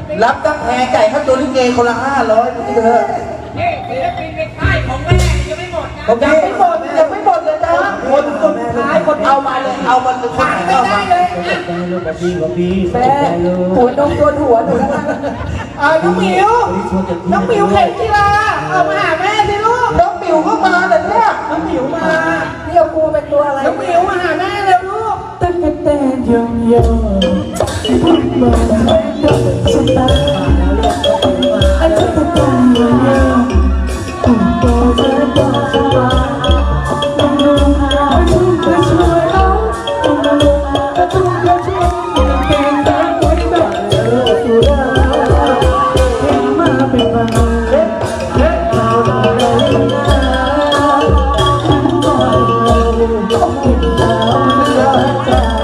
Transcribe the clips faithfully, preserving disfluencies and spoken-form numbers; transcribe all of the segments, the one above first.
รับตั้งแพงไก่ข้าวตัวลิเกคนละห้าร้อยพี่เถอะนี่ศิลปินในค่ายของแม่ยังไม่หมดนะผมยังไม่หมดยังไม่หมดเลยนะคนคนท้ายคนเอามาเลยเอามาเลยคนไหนเอามาเลยแม่หัวนมตัวหัวหนูแล้วอ่าน้องหมิวน้องหมิวเข็มกีฬาเอามาหาแม่สิลูกน้องหมิวก็มาแต่เนี่ยน้องหมิวมาพี่เอากูเป็นตัวอะไรน้องหมิวมาหาแม่เร็วลูกตั้งแต่เต้นยองยองพูดมาไม่ได้ฉันตาไอ้ฉันตาเยอะๆผมบอกเธอบอกฉันว่าต้องลงหาทุกข์ช่วยเราต้องลงหาทุกข์ช่วยเก่งแต่ไว้แบบเธอสุดาเห็นมาเป็นบางเล็กเล็กเราเราเราฉันก็เราต้องกินดาวไม่ยอมจ่าย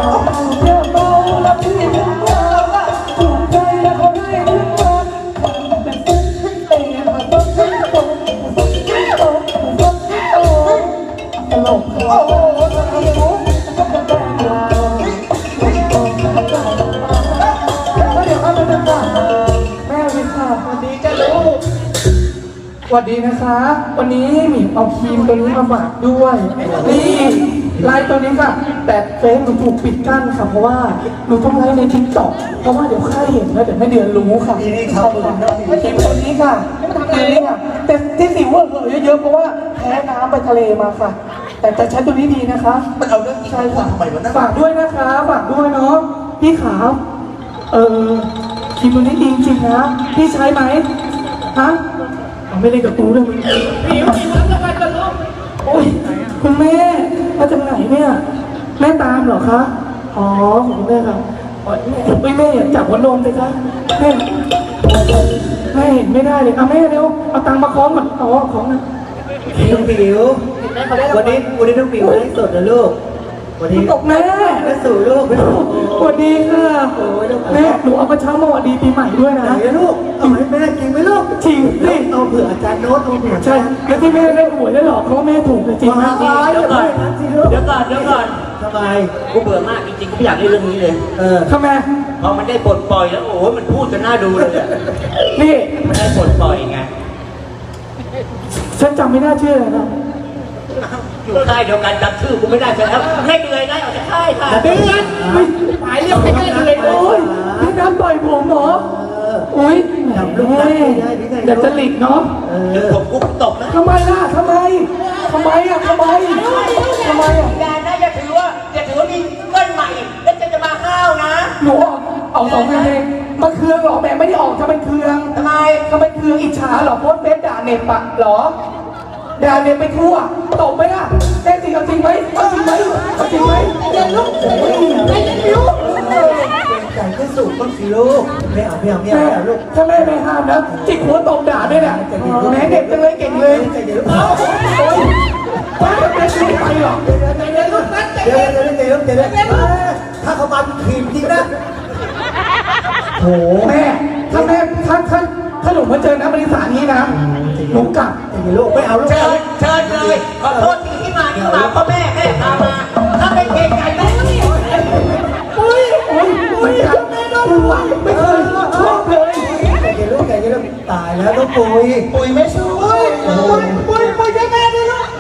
สวัสดีนะคะวันนี้หมิวเอาครีมตัวนี้มาฝากด้วยนี่ไลน์ตัวนี้ค่ะแต่เฟซหนูถูกปิดกั้นค่ะเพราะว่าหนูต้องไลน์ในทิกตอกเพราะว่าเดี๋ยวค่ายเห็นแล้วเดี๋ยวไม่เดือนรู้ค่ะนี่เขาไม่ครีมตัวนี้ค่ะตัวนี้ค่ะแต่ที่สิวเหอะเยอะๆเพราะว่าแพ้น้ำไปทะเลมาค่ะแต่แต่ใช้ตัวนี้ดีนะคะมันเอาเรื่องใช่ค่ะทำไมมันฝากด้วยนะคะฝากด้วยเนาะพี่ขาวเออครีมตัวนี้ดีจริงนะพี่ใช้ไหมฮะไม่เล่นกับกูด้วยมึงหิวหิวแล้วกันกันลูกโอ้ยคุณแม่มาจากไหนเนี่ยแม่ตามเหรอคะอ๋อของคุณแม่ครับโอ้ยแม่จับหัวนมเลยคะแม่แม่เห็นไม่ได้เลยเอาแม่เร็วเอาตังค์มาคล้องก่อนอ๋อของนะน้องปิ๋ววันนี้วันนี้น้องปิ๋วไลฟ์สดนะลูกวันนี้ตกแม่แม่สู่ลูกสวัสดีค่ะแม่หนูเอากระเช้ามาวัสดีปีใหม่ด้วยนะไหนลูกเอาให้แม่จริงไหมลูกจริงสิเอาเผื่ออาจารย์โน้ตเอาเผื่อใช่แล้วที่แม่ได้หวยได้หรอกเพราะแม่ถูกจริงนะเดี๋ยวก่อนเดี๋ยวก่อนเดี๋ยวก่อนทำไมกูเบื่อมากจริงๆกูไม่อยากเล่นเรื่องนี้เลยเออทำไมพอมันได้ปลดปล่อยแล้วโอ้โหมันพูดจนน่าดูเลยนี่มันได้ปลดปล่อยไงฉันจำไม่น่าเชื่อเลยนะอยู่ค่ายเดียวกันจำชื่อกูไม่ได้ไปแล้วให้เดือยได้ออกจากค่ายค่ะเดือยไม่หมายเรียกไม่ได้เลยโอ้ยพี่น้ำต่อยผมเหรอโอ้ยจับลูกได้เดี๋ยวจะหลีกเนาะเดี๋ยวผมกูตบนะทำไมล่ะทำไมทำไมอ่ะทำไมทำไมอ่ะอย่านะอย่าถือว่าอย่าถือว่ามีเงินใหม่แล้วจะจะมาข้าวนะหนูเอาสองเพลงมันเครื่องหรอแม่ไม่ได้ออกทำไมเครื่องทำไมทำไมเครื่องอิจฉาหรอโพสเฟซด่าเน็ตปะหรอด่าเน็ตไปทั่วตบไหมล่ะแน่จริงเอาจริงไหมเอาจริงไหมเอาจริงไหมอย่าลุกไม่ลุกใจก็สูบต้องสิลูกไม่เอาไม่เอาไม่เอาลูกถ้าแม่ไม่ห้ามนะจิกหัวตบด่าด้วยนะแม่เด็กจังเลยเก่งเลยใจเย็นโอ้ยป้าแม่ไม่ไปหรอกใจเย็นลูกนะใจเย็นใจเย็นใจเย็นใจเย็นถ้าเขามาทีมจริงนะโหแม่ถ้าแม่ถ้าถ้าถ้าหนูมาเจอน้ำบริษัทนี้นะหนูกลับใจเย็นลูกไม่เอาลูกเชิญเชิญเลยขอโทษที่ที่มาที่มาเพราะแม่แม่พามาถ้าไม่เก่งใจแม่อุ้ยอุ้ยอุ้ยแม่น่ารักไม่เคยชอบเลยใจเย็นลูกใจเย็นลูกตายแล้วต้องปุยปุยไม่ช่วยปุยปุยปุยใจแม่ด้วยลูก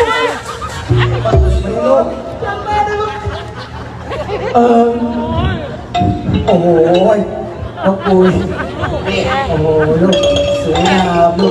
ไม่ลูกใจแม่ด้วยลูกเออโอ้โหน้องปุยโอ้โหลูกสวยงามลูก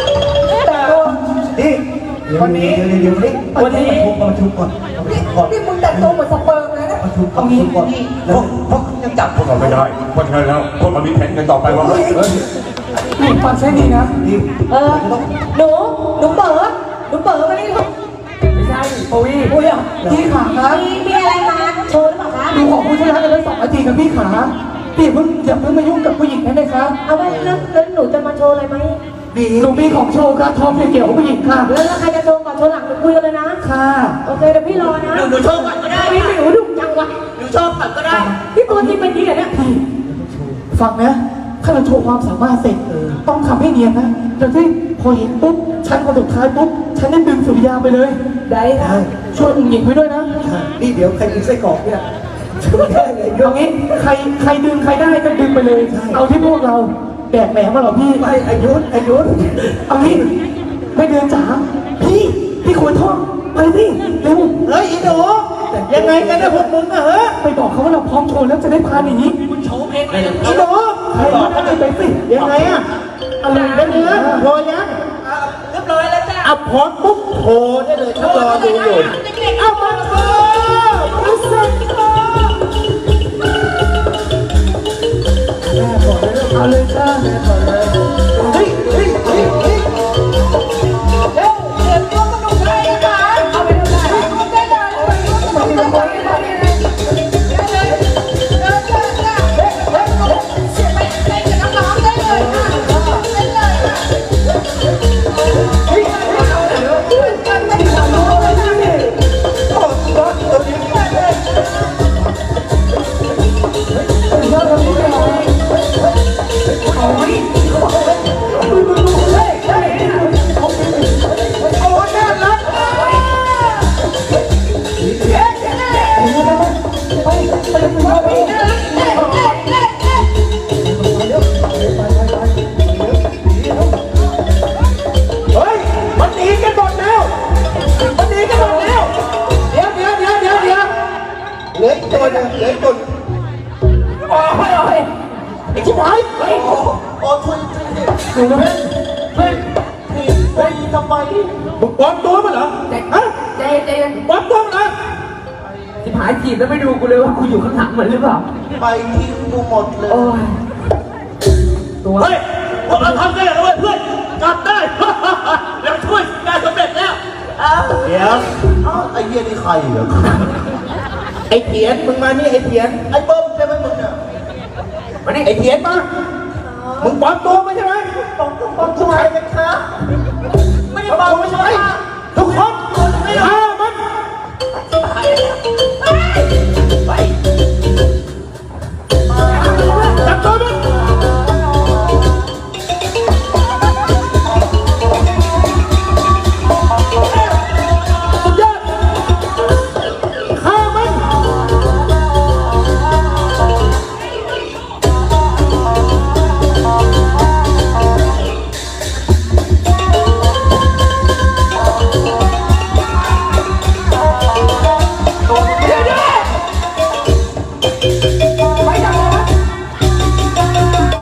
นี่วันนี้เดี๋ยวนี้วันนี้มาชุบก่อนนี่มึงแต่งตัวเหมือนสเปิร์มเลยนะมาชุบก่อนชุบก่อนแล้วเพราะยังจับพวกเราไม่ได้เพราะฉะนั้นแล้วพวกเรามีแผนกันต่อไปว่านี่ฟังใช่ดีนะเออหนูหนูเปิดหนูเปิดมานี่ลูกไม่ใช่ปุยปุยอ่ะพี่ขาครับมีมีอะไรมาโชว์หรือเปล่าคะดูของผู้ชนะกันได้สองนาทีกับพี่ขาพี่เพิ่งอย่าเพิ่งมายุ่งกับผู้หญิงได้ไหมครับเอาไว้แล้วแล้วหนูจะมาโชว์อะไรไหมหนูมีของโชว์ครับทอมเกี่ยวกับผู้หญิงค่ะแล้วใครจะโชว์ก่อนโชว์หลังหนูคุยกันเลยนะค่ะโอเคเดี๋ยวพี่รอนะหนูโชว์ก่อนก็ได้พี่หนูดุจังวะหนูโชว์ก่อนก็ได้พี่ตัวจริงเป็นจริงเหรอเนี่ยฟังนะถ้าเราโชว์ความสามารถเสร็จต้องทำให้เนียนนะเดี๋ยวที่พอเห็นปุ๊บฉันคนสุดท้ายปุ๊บฉันได้ดึงสุริยาไปเลยได้ค่ะช่วยอุ้งหญิงไว้ด้วยนะนี่เดี๋ยวใครกินไส้กรอกเนี่ยเอางี้ใครใครดึงใครได้ก็ดึงไปเลย เอาที่พวกเราแบกแหนมมาหรอพี่ไม่อายุอายุเอางี้ไม่เดินจ๋าพี่พี่ควรท่องไปสิเร็วเฮ้ยอีหนูยังไงกันเนี่ยพวกมึงอะเฮ้ยไปบอกเขาว่าเราพร้อมโชว์แล้วจะได้พาหนีคุณโชว์เองเลยอีหนูใครก็ได้ไปสิยังไงอะอะไรกันเนี่ยพอยังเรียบร้อยแล้วจ้าเอาพร้อมปุ๊บโทรได้เลยฉันรอดูอยู่เอามาโทรรู้สึกโทรเอาเลยจ้าเฮ้ยเฮ้ยเฮ้ยเฮ้ยเร็วเดี๋ยวตัวกระดูกอะไรนะคะเอาไปทำอะไรได้เลยเอาไปทำอะไรได้เลยได้เลยเดินเดินจ้ะเฮ้ยเฮ้ยเสียไปเล่นกับน้องๆได้เลยค่ะเล่นเลยค่ะเฮ้ยเฮ้ยเอาเดี๋ยวเดินกันไม่ทำเลยนะโอ้รถตัวนี้ได้เลยยอดเราไม่ได้เอาไว้โอ้น่ารัก เฮ้ยมันหนีกันหมดแล้วมันหนีกันหมดแล้วเดี๋ยวเดี๋ยวเดี๋ยวเดี๋ยวเดี๋ยวเหลืออีกตัวหนึงเหลืออีกตัวหนึ่งโอ้ยโอ้ยไอ้ชิบหายเฮ้ยโอ้โอ้ช่วยช่วยดิดูนะเฮ้ยเฮ้ยเฮ้ยทำไมมึงปลอมตัวมาเหรอฮะเจเจปลอมตัวมาเหรอที่ผายจีบแล้วไม่ดูกูเลยว่ากูอยู่ข้างหลังมันหรือเปล่าไปทิ้งกูหมดเลยโอ้ยตัวเฮ้ยพวกเราทำได้แล้วเว้ยเพื่อนกลับได้ แล้วช่วยงานสำเร็จแล้วเดี๋ยวไอ้เหี้ยนี่ใครเหรอไอ้เถียนมึงมานี่ไอ้เถียนไอ้เบิ้มใช่ไหมมึงเนี่ยมานี่ไอ้เถียนมามึงปลอมตัวมาใช่ไหมปลอมตัวปลอมตัวใครกันคะไม่ได้ปลอมใช่ไหมทุกคนฆ่ามัน